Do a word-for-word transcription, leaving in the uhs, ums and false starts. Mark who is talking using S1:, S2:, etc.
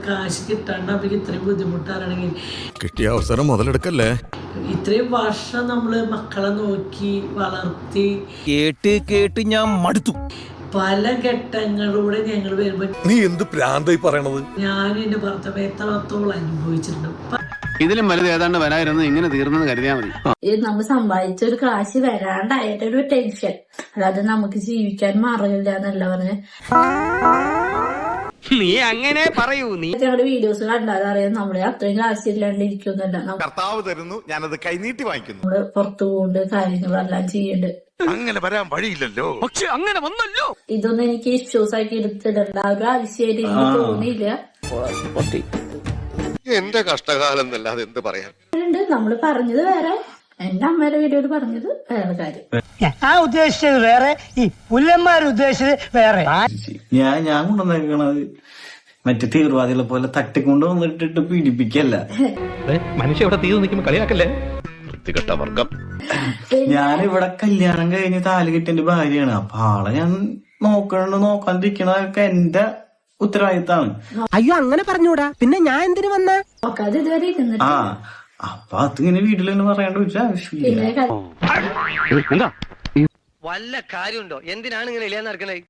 S1: കാശ് കിട്ടാണ്ട് അവർക്ക് ഇത്രയും ബുദ്ധിമുട്ടാണെങ്കിൽ
S2: കിട്ടിയ അവസരം മുതലെടുക്കല്ലേ.
S1: ഇത്രയും വർഷം നമ്മള് മക്കളെ നോക്കി വളർത്തി
S3: കേട്ട് കേട്ട് ഞാൻ മടുത്തു.
S1: പല ഘട്ടങ്ങളിലൂടെ ഞങ്ങൾ വരുമ്പോ
S2: നീ എന്ത് പ്രാന്തായി പറയണത്?
S1: ഞാനും എന്റെ ഭർത്താവ് എത്രത്തോളം അനുഭവിച്ചിട്ടുണ്ട്.
S4: ഇതിലും വലുത് ഏതാണ്ട് വരായിരുന്നു, ഇങ്ങനെ തീർന്നെന്ന് കരുതിയാൽ മതി.
S5: ഇത് നമ്മൾ സമ്പാദിച്ച ഒരു കാശ് വരാണ്ടായിട്ടൊരു ടെൻഷൻ, അല്ലാതെ നമുക്ക് ജീവിക്കാൻ മാറില്ല എന്നല്ല പറഞ്ഞ്.
S3: നീ അങ്ങനെ പറയൂ. നീ
S5: ഞങ്ങളുടെ വീഡിയോസ് കണ്ടാൽ അറിയാം നമ്മള് അത്രയും കാശ് ഇല്ലാണ്ട് ഇരിക്കുന്നില്ല.
S2: കർത്താവ് തരുന്നു, ഞാനത് കൈനീട്ടി വാങ്ങിക്കുന്നു.
S5: നമ്മള് പുറത്തു പോകൊണ്ട് കാര്യങ്ങളെല്ലാം ചെയ്യുന്നുണ്ട്.
S2: അങ്ങനെ വരാൻ വഴിയില്ലല്ലോ.
S3: പക്ഷെ അങ്ങനെ വന്നല്ലോ.
S5: ഇതൊന്നും എനിക്ക് ഇഷ്യൂസ് ആക്കി എടുത്തിടണ്ട ഒരു ആവശ്യമായിട്ട് എനിക്ക് തോന്നിയില്ല.
S2: എന്റെ കഷ്ടകാലം എന്നല്ലാതെ എന്ത് പറയാൻ.
S5: നമ്മള് പറഞ്ഞത് വേറെ, എന്റെ അമ്മയുടെ വീഡിയോയിൽ പറഞ്ഞത് വേറെ കാര്യം.
S6: ഞാൻ ഉദ്ദേശിച്ചത് വേറെ, ഈ പുല്ലന്മാർ ഉദ്ദേശിച്ചത് വേറെ.
S7: ഞാൻ ഞാൻ കൊണ്ടുവന്നേക്കണത് മറ്റേ തീവ്രവാദികളെ പോലെ തട്ടിക്കൊണ്ട് വന്നിട്ടിട്ട് പീഡിപ്പിക്കല്ല.
S3: മനുഷ്യ ഇവിടെ തീ നിൽക്കുമ്പോ കളിയാക്കല്ലേ.
S2: വൃത്തികെട്ട വർഗം.
S7: ഞാനിവിടെ കല്യാണം കഴിഞ്ഞ് താലി കെട്ടിന്റെ ഭാര്യയാണ്. അപ്പൊ ആളെ ഞാൻ നോക്കണ നോക്കാണ്ടിരിക്കണതൊക്കെ എന്റെ ഉത്തരവാദിത്താണ്.
S6: അയ്യോ അങ്ങനെ പറഞ്ഞൂടാ, പിന്നെ ഞാൻ എന്തിനു വന്ന
S5: നോക്കാതെ ഇതുവരെ ഇരുന്നിട്ട്.
S7: ആ അപ്പൊ അതിങ്ങനെ വീട്ടിലിങ്ങനെ പറയേണ്ട ഒരു ആവശ്യമില്ല.
S5: പിന്നെ
S3: എന്താ വല്ല കാര്യമുണ്ടോ? എന്തിനാണ് ഇങ്ങനെ ഇല്ലാന്ന് നടക്കണേ?